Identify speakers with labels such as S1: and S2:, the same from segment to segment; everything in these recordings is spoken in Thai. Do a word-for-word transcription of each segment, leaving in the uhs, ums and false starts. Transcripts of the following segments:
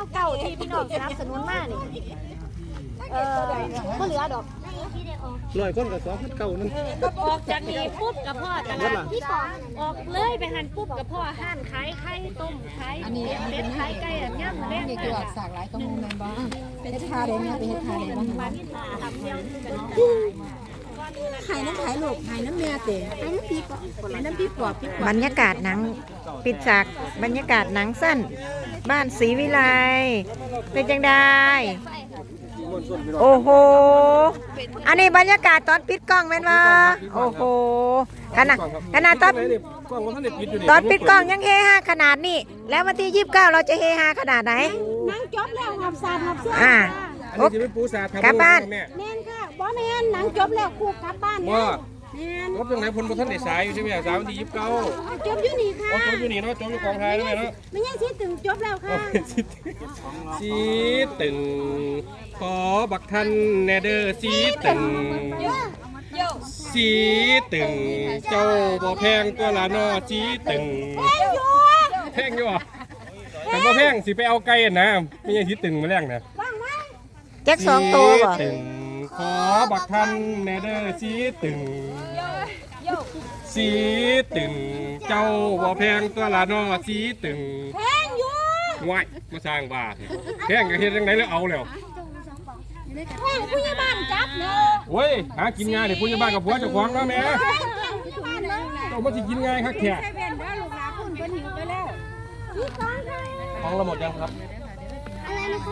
S1: เก่าที่พี่น้องสนับสนุนมากนี่เออก็เหลือดอก
S2: ลอยคนกับสองพันเก้านั่น
S1: ออกจากนี้ปุ๊บกับพ่อตลาดที่ปองออกเลยไปหันปุ๊บกับพ่อห้านขายไข่ต้มขายเป็ดขายไก่อันย่างมาเล่น
S3: นี่คือสากหลายข้อมูลในบ้านเป็นทาเลยเนี่ยเป็นทาเลยบ้าง
S1: มาที่ตาทำเดียวกัน
S3: ไข่น้ำไข่ลูกไข่น้ำแม่เต๋ไข่น้ำปีกไข่น้ำปีกรอบปีก
S4: บรรยากาศหนังปิดฉากบรรยากาศหนังสั้น บ้านศรีวิไลเป็นจังได้โอ้โหอันนี้บรรยากาศตอนปิดกล้องเป็นว่าโอ้โหขนาดขนาดตอนตอนปิดกล้องยังเฮฮาขนาดนี้แล้ววันที่ยี่สิบเก้าเราจะเฮฮาขนาดไหน
S3: นั่งจบแล้วหับซาหับเสื้อ
S4: อ่า
S2: อันนี้จะเป็นปูสาทำ
S4: กลับบ้าน
S2: แม่
S3: แม่นค่ะบ่แม่นหนังจบแล้วคู่กลับบ้านเนี่ย
S2: ว่า
S3: แม่น
S2: รถยังไงพลพท่านได้สายอยู่ใช่ไหมสายวันที่ยี่สิบเก้า
S3: จบอยู่นี่ค่ะ
S2: โอ้จบอยู่นี่เนาะจบอยู่กองไทยแล้วแม่เนาะ
S3: ไม่ยังสิถึงจบแล้วค่ะ
S2: สีตึงขอบักทันแนเดอร์สีตึงสีตึงเจ้าบ่แพงตัวละนอสีตึงแพงอยู่อ่ะแต่บ่แพงสิไปเอาไก่นะไม่ใช่สีตึงมาแรงนะ
S4: แจ็คสองตัวบ่
S2: สีตึงขอบักทันแนเดอร์สีตึงสีตึงเจ้าบ่แพงตัวละนอสีตึง
S3: แพงอยู่
S2: ว้ายมาสร้างบาทแพงกับเฮ็ดยังไงแล้วเอาแล้ว
S3: แพงผู้ใหญ่บ้านจับเนาะ
S2: โอ้ยหากินง่ายเดี๋ยวผู้ใหญ่บ้านกับผัวเจ้าของเนาะแม่
S3: แพงผู้ใหญ่บ้านเลย
S2: เจ้ามาสิกินง่ายครับแขก
S3: ใส่แว่นเด้อลูกหลานคุณเพิ่นหิวไปแล้วนี่ก่อนค่ะ
S2: ของเราหมดยังครับ
S3: อะไรนะคะ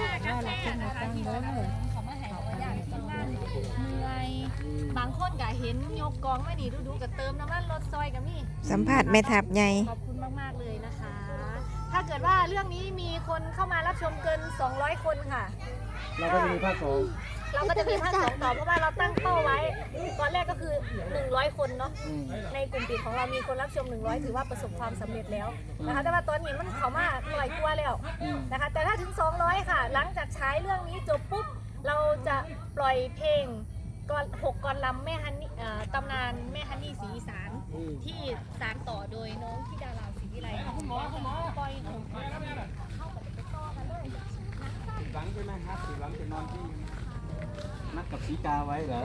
S1: บางคนก็เห็นยกกองไม่ดีดูๆกับเติมน้ำมันรถซอยกับนี่
S4: สัมผัสแม่ทับใหญ่
S1: ขอบคุณมากๆเลยนะคะ ถ้าเกิดว่าเรื่องนี้มีคนเข้ามารับชมเกินสองร้อยคนค่ะ
S2: เราก็จะมีภาคสอง
S1: เราก็จะมีภาคสองต่อเพราะว่าเราตั้งเป้าไว้ตอนแรกก็คือหนึ่งร้อยคนเนาะในกลุ่มปิดของเรามีคนรับชมหนึ่งร้อยถือว่าประสบความสำเร็จแล้วนะคะแต่ว่าตอนนี้มันเข้ามาหน่อยกลัวแล้วนะคะแต่ถ้าถึงสองร้อยค่ะ หลังจากใช้เรื่องนี้จบปุ๊บเราจะปล่อยเพลงก่อนหกกรลำแม่ฮันนี่ตำนานแม่ฮันนี่ศรีอีสานที่สานต่อโดยน้องที่ดาราศรีวิไลคุณหมอคุณหมอปล่อยหกกรลำแบบเข้ากับไปต่อกันเลย
S5: หลังใช่ไหมครับหลังจะนอนที่นัดกับสีกาไว้เหรอ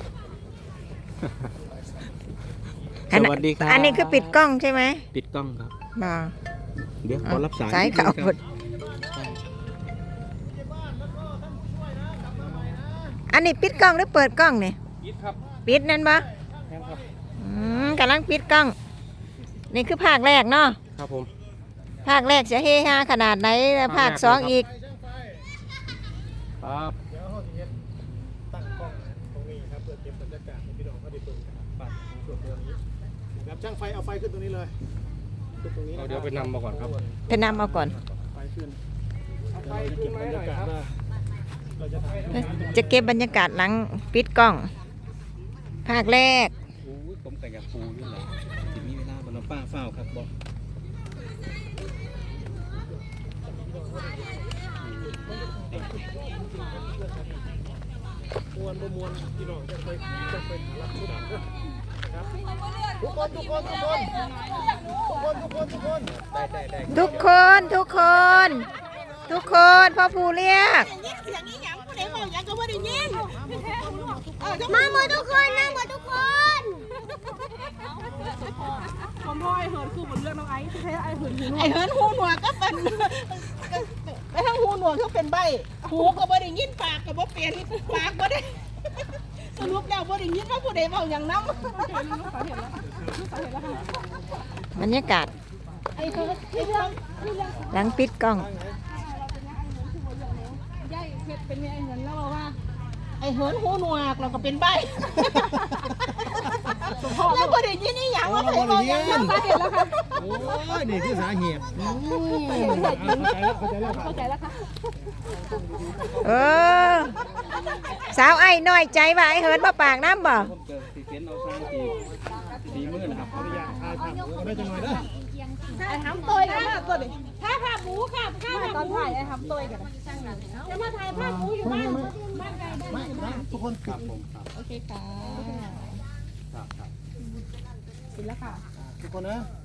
S4: อัน
S5: สวัสดีครับ
S4: อันนี้คือปิดกล้องใช่ไหม
S5: ปิดกล้องครับ
S4: บ่
S5: เดี๋ยวขอรับสาย
S4: สายเก่าหมดอันนี้ปิดกล้องหรือเปิดกล้องเนี่ย
S2: ยิดครับ
S4: ปิดนั่นปะ
S2: แม่นครับ
S4: อืมกำลังปิดกล้อง นี่คือภาคแรกเนาะ
S2: ครับผม
S4: ภาคแรกจะเฮฮาขนาดไหนแล้วภาคสองอีก
S2: ครับ
S6: ตั้งกล้องตรงนี้ครับเพื่อเก็บบรรยากาศให้พี่น้องเขาได้ดูกันปัดของส่วนตัวนี้นะครับช่างไฟเอาไฟขึ้นตรงนี้เลยขึ้นตรงนี้
S2: เอาเดี๋ยวไปนำมาก่อนครับ
S4: ไปนำเอาก่อน
S6: ไฟขึ้นเดี๋ยวเราจะเก็บบรรยากาศว่าเราจะถ่าย
S4: จะเก็บบรรยากาศหลังปิดกล้อง ภาคแรก
S5: โอ้ยผมแต่งกับปูนี่แหละทีนี้เวลาบนป้าเฝ้าครับบอก
S6: มวนประมวลพี่น้องจะไปจะไปหารับผู้ดับนะครับทุกคนทุกคนทุกคนทุกคนทุกคนทุกคนได้ได้ได้
S4: ทุกคนทุกคนทุกคนพ่อภูเรียก
S3: มาหมดทุกคนนะหมดทุกคน
S7: ผมพ่อไอเหินคือบนเรื่องน้องไอซ์ที่แท้ไอเหินหูหนว
S3: ไอ้
S7: ก
S3: เหินหูหนวกก็เป็นไปทั้งหูหนวกก็เป็นใบหูก็บ่ได้ยินปากก็บ่เปลี่ยนปากบ่ได้สรุปแล้วบ่ได้ยินว่าผู้ใดเว้าหยังนำ
S4: บรรยากาศ
S3: ไอ้เหินที่เรื่อง
S4: หลังปิดกล้อง
S7: ย่ายเพชรเป็นไงไอเหินแล้วบอกว่า
S3: ไอ้เหินหูหนวกเราก็เป็นใบแล้วบ่ได้ยินอีหยังว่าใครเว้าหยังนำ
S7: สาเหตุแล้วค่ะ
S6: โอ้ยนี่คือสาเหตุ
S7: เข้าใจแล้วค่ะ
S4: เออสาวไอ้น้อยใจว่าไอ้เหินมาปากน้ำบ่
S5: ผมเจอสีเขียนเอาข้างตีสีมือนะครับ
S6: ขออนุญาตถ่ายภาพก็ได้จังหน่อยเด้อ
S7: ไอทำตัวกันมากตัวดิ
S3: ถ้าภาพหมูค่ะถ้า
S7: ไม่
S3: ภาพ
S7: ตอนถ่ายไอทำตัวกัน
S3: จะมาถ่ายภาพหมูอยู่บ้านบ้านใครบ้าน
S6: ไม่ไม่ทุกคน
S5: ครับผมครับ
S7: โอเคค่ะ
S5: ครับครับ
S7: สิแล้วค่ะ
S6: ทุกคนนะ